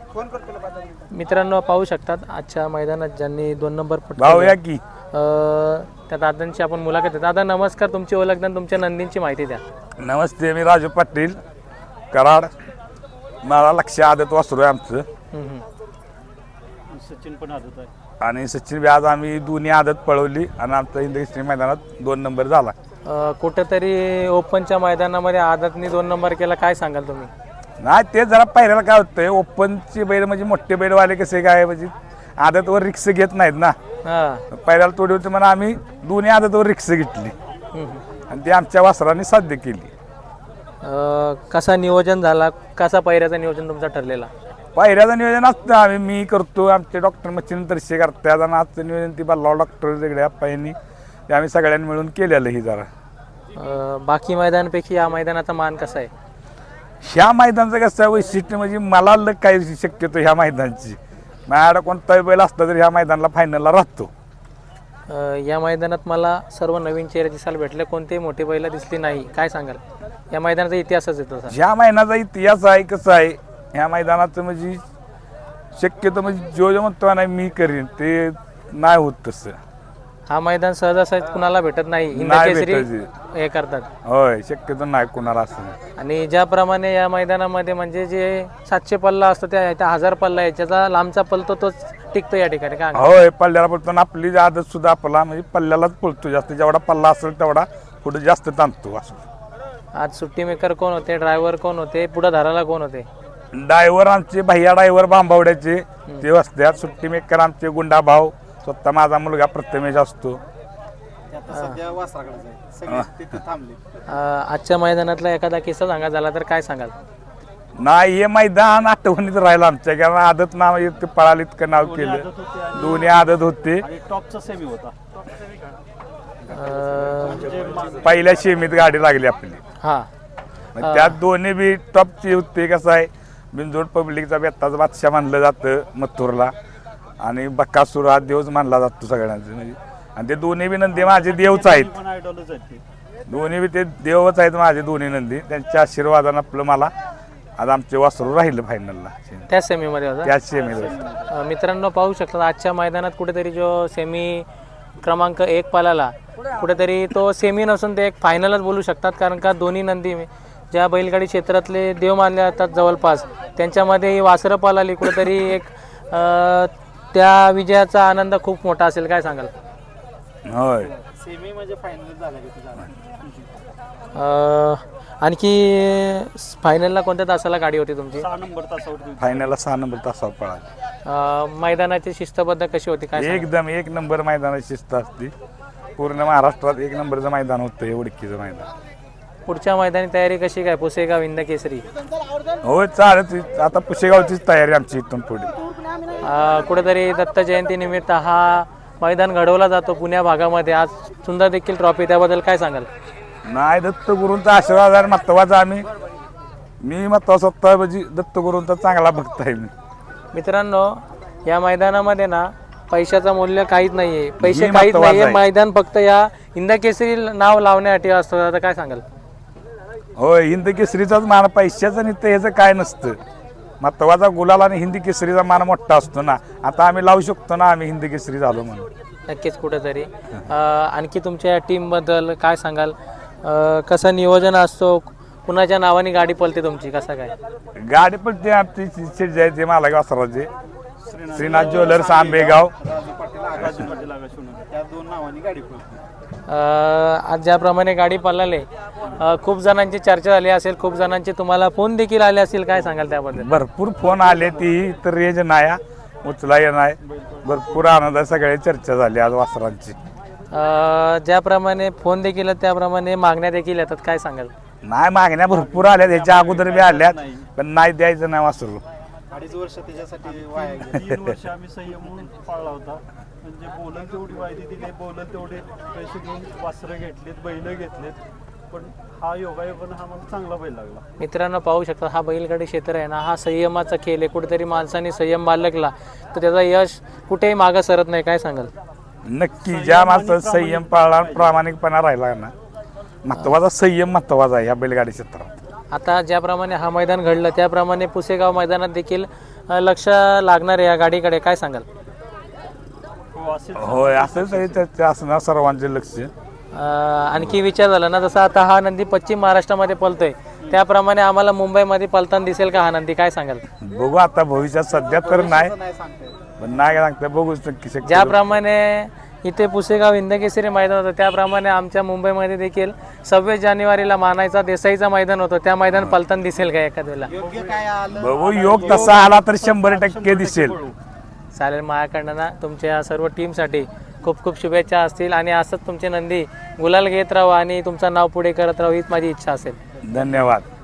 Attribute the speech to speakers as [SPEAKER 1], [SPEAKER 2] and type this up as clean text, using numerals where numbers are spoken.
[SPEAKER 1] मित्रांनो पाहू शकतात आजच्या मैदानात ज्यांनी 2 नंबर
[SPEAKER 2] भाऊया की
[SPEAKER 1] त्या दादांची आपण मुलाखत आहे. दादा नमस्कार, तुमची ओळख आणि तुमच्या नंदींची माहिती द्या.
[SPEAKER 2] नमस्ते, मी राजू पाटील कराड. मला लक्ष आदत वासरू आहे आमचं.
[SPEAKER 3] सचिन पण आदत आहे
[SPEAKER 2] आणि सचिन आज आम्ही दोन्ही आदत पळवली आणि आमचा इंद्रश्री मैदानात 2 नंबर झाला.
[SPEAKER 1] कुठेतरी ओपनच्या मैदानामध्ये आदतनी 2 नंबर केला, काय सांगाल तुम्ही?
[SPEAKER 2] नाही ते जरा पायऱ्याला काय होतंय, ओपनचे बैल म्हणजे मोठे बैलवाले कसे काय म्हणजे आदतवर रिक्स घेत नाहीत ना. पायऱ्याला थोडी होती म्हणून आम्ही दोन्ही आदतवर रिक्स घेतली आणि ती आमच्या वासरांनी साध्य केली.
[SPEAKER 1] कसा नियोजन झाला, कसा पायऱ्याचं नियोजन तुमचा ठरलेला?
[SPEAKER 2] पायऱ्याचं नियोजन असतं आम्ही मी करतो, आमचे डॉक्टर मच्छिन तरशे करतात आणि आजचं नियोजन ती बल्लाव डॉक्टर वेगळ्या पायांनी ते आम्ही सगळ्यांनी मिळून केलेलं ही जरा.
[SPEAKER 1] बाकी मैदानापैकी या मैदानाचा मान कसा आहे?
[SPEAKER 2] ह्या मैदानाचं कसं आहे वैशिष्ट्य म्हणजे मला काय शक्यतो ह्या मैदानाची माझ्याकडे कोणताही बैल असला तरी ह्या मैदानाला फायनलला राहतो.
[SPEAKER 1] या मैदानात मला सर्व नवीन चेहरे दिसायला भेटले, कोणतेही मोठी बैल दिसली नाही, काय सांगाल? या मैदानाचा इतिहासच आहे तसा.
[SPEAKER 2] ह्या मैदानाचा इतिहास आहे कसं आहे ह्या मैदानाचं म्हणजे शक्यतो म्हणजे जो म्हणतो नाही मी करीन ते नाही होत तसं.
[SPEAKER 1] हा मैदान सहजासहज कुणाला भेटत नाही, हिंदकेसरी हे करतात.
[SPEAKER 2] होय, शक्यतो नाही कुणाला असं.
[SPEAKER 1] आणि ज्याप्रमाणे या मैदानामध्ये म्हणजे जे 700 पल्ला असतो त्या 1000 पल्ला याच्याचा लांबचा पलतो तोच टिकतो या ठिकाणी का?
[SPEAKER 2] होय, पल्ल्याला पळतो आणि आपली आदत सुद्धा आपला म्हणजे पल्ल्यालाच पळतो जास्त, जेवढा पल्ला असेल तेवढा पुढे जास्त ताणतो असं.
[SPEAKER 1] आज सुट्टी मेकर कोण होते, ड्रायव्हर कोण होते, पुढे धाराला कोण होते?
[SPEAKER 2] ड्रायव्हर आमचे भैया ड्रायव्हर बांबावड्याचे ते असतात. सुट्टी मेकर आमचे गुंडा भाऊ, स्वतः माझा मुलगा प्रथमेश असतो.
[SPEAKER 1] आजच्या मैदानातला एखादा किस्सा सांगा झाला तर काय सांगाल?
[SPEAKER 2] नाही हे मैदान आठवणीत राहिलं आमच्या, कारण आदत नाव ते पळाली इतकं नाव केलं. दोन्ही आदत होते.
[SPEAKER 3] टॉपचा सेमी होता.
[SPEAKER 2] पहिल्या शेमीत गाडी लागली आपली.
[SPEAKER 1] हा,
[SPEAKER 2] त्यात दोन्ही बी टॉपची होते. कसं आहे बिनजोड पब्लिकचा बेत्ताचा बादशाह मानलं जातं मथुरला आणि बक्कासूर हा देवच मानला जातो सगळ्यांचं म्हणजे. आणि ते दोन्ही बी नंदी माझे देवच आहेत. दोन्ही बी ते देवच आहेत माझे दोन्ही नंदी. त्यांच्या आशीर्वादानं आपलं मला आज आमचे वासरू राहिलं फायनलला.
[SPEAKER 1] त्या सेमीमध्ये होता.
[SPEAKER 2] त्याच सेमीमध्ये.
[SPEAKER 1] मित्रांनो पाहू शकतात आजच्या मैदानात कुठेतरी जो सेमी क्रमांक 1 पालाला कुठेतरी तो सेमी नसून ते एक फायनलच बोलू शकतात, कारण का दोन्ही नंदी ज्या बैलगाडी क्षेत्रातले देव मानले जातात जवळपास त्यांच्यामध्ये ही वासरं पालाली कुठेतरी एक त्या विजयाचा आनंद खूप मोठा असेल, काय सांगाल?
[SPEAKER 2] होय,
[SPEAKER 3] सेमी म्हणजे फायनल झाला.
[SPEAKER 1] आणखी फायनलला कोणत्या तासाला गाडी होती तुमची?
[SPEAKER 3] 6 नंबर तासावर.
[SPEAKER 2] फायनलला 6 नंबर तासावर पळाली.
[SPEAKER 1] मैदानाची शिस्तबद्ध कशी होती, काय?
[SPEAKER 2] एकदम 1 नंबर मैदानाची शिस्त असते. पूर्ण महाराष्ट्रात 1 नंबरचं मैदान होतं हे उडकीचं मैदान.
[SPEAKER 1] पुढच्या मैदानी तयारी कशी काय? पुसेगाव हिंदकेसरी
[SPEAKER 2] होय चालत. आता पुसेगावचीच तयारी आमची इथून पुढे.
[SPEAKER 1] कुठेतरी दत्त जयंती निमित्त हा मैदान घडवला जातो पुण्या भागामध्ये. आज सुंदर देखील ट्रॉफी, त्याबद्दल काय सांगाल?
[SPEAKER 2] नाही, दत्तगुरूंचा आशीर्वाद आहे महत्वाचा. मी महत्वाचा स्वतः म्हणजे दत्तगुरूंचा चांगला भक्त आहे मी.
[SPEAKER 1] मित्रांनो या मैदानामध्ये ना पैशाचं मूल्य काहीच नाहीये, पैसे काहीच नाहीये. मैदान फक्त या हिंदकेसरी नाव लावण्यासाठी असतं. आता काय सांगाल?
[SPEAKER 2] होय, हिंद केसरीचाच मान, पैशाचं नित्य ह्याचं काय नसतं. महत्वाचा गुलाल आणि हिंदी केसरीचा मान मोठा असतो ना. आता आम्ही लावू शकतो ना आम्ही हिंदी केसरी झालो म्हणून.
[SPEAKER 1] नक्कीच. कुठेतरी आणखी तुमच्या टीमबद्दल काय सांगाल? कसं नियोजन असतो, कुणाच्या नावाने गाडी पळते तुमची, कसं काय?
[SPEAKER 2] गाडी पळते आमची जायचे मालक वासराचे श्रीनाथ ज्वेलर्स आंबेगाव.
[SPEAKER 1] आज ज्याप्रमाणे गाडी पळाली खूप जणांची चर्चा झाली असेल, खूप जणांचे तुम्हाला फोन देखील आले असतील, काय सांगाल त्याबद्दल?
[SPEAKER 2] भरपूर फोन आले, ती तर रेंज नाही उचला नाही. भरपूर आनंद आहे, सगळी चर्चा झाली आज वासरांची.
[SPEAKER 1] ज्याप्रमाणे फोन देखील त्याप्रमाणे मागण्या देखील येतात, काय सांगाल?
[SPEAKER 2] नाही, मागण्या भरपूर आल्या, त्याच्या अगोदर बी आल्यात पण नाही द्यायचं नाही वासरू.
[SPEAKER 3] 2.5 वर्ष त्याच्यासाठी वाया गेली. 3 वर्ष आम्ही संयम म्हणून पाळला होता. म्हणजे बोलल तेवढी वायदी दिली, बोलल तेवढे पैसे घेऊन वासरं घेतलेत, बैल घेतलेत, पण हा योगायोगानं हा मला चांगला बैल लागला.
[SPEAKER 1] मित्रांनो पाहू शकता हा बैलगाडी क्षेत्र आहे ना, हा संयमाचा खेळ आहे. कुठेतरी माणसाने संयम बाळगला तर त्याचा यश कुठेही मागं सरत नाही, काय सांगाल?
[SPEAKER 2] नक्की. ज्या माणसाचा संयम पाळला, प्रामाणिकपणा राहिला ना, महत्वाचा संयम महत्वाचा आहे या बैलगाडी क्षेत्रात.
[SPEAKER 1] आता ज्याप्रमाणे हा मैदान घडलं त्याप्रमाणे पुसेगाव मैदानात देखील लक्ष लागणार आहे या गाडीकडे, काय सांगाल?
[SPEAKER 3] हो असेच
[SPEAKER 2] होय असंच आहे, ते असणार सर्वांचे लक्ष.
[SPEAKER 1] आणखी विचार झाला ना, जसं आता हा नंदी पश्चिम महाराष्ट्रामध्ये पळतोय त्याप्रमाणे आम्हाला मुंबईमध्ये पळताना दिसेल का हा नंदी, काय सांगाल?
[SPEAKER 2] बघू आता भविष्यात, सध्या तर नाही, पण नाही सांगता, बघू नक्की शक्य.
[SPEAKER 1] ज्याप्रमाणे इथे पुसेगाव हिंदकेसरी मैदान होतं त्याप्रमाणे आमच्या मुंबईमध्ये देखील 26 जानेवारीला मानायचा देसाईचा मैदान होतं, त्या मैदान पलताना दिसेल का एखाद वेळेला?
[SPEAKER 2] बघू, योग तसा आला तर 100% दिसेल.
[SPEAKER 1] चालेल, माझ्याकडनं ना तुमच्या सर्व टीमसाठी खूप खूप शुभेच्छा असतील आणि असंच तुमचे नंदी गुलाल घेत राहा आणि तुमचं नाव पुढे करत राहा हीच माझी इच्छा असेल.
[SPEAKER 2] धन्यवाद.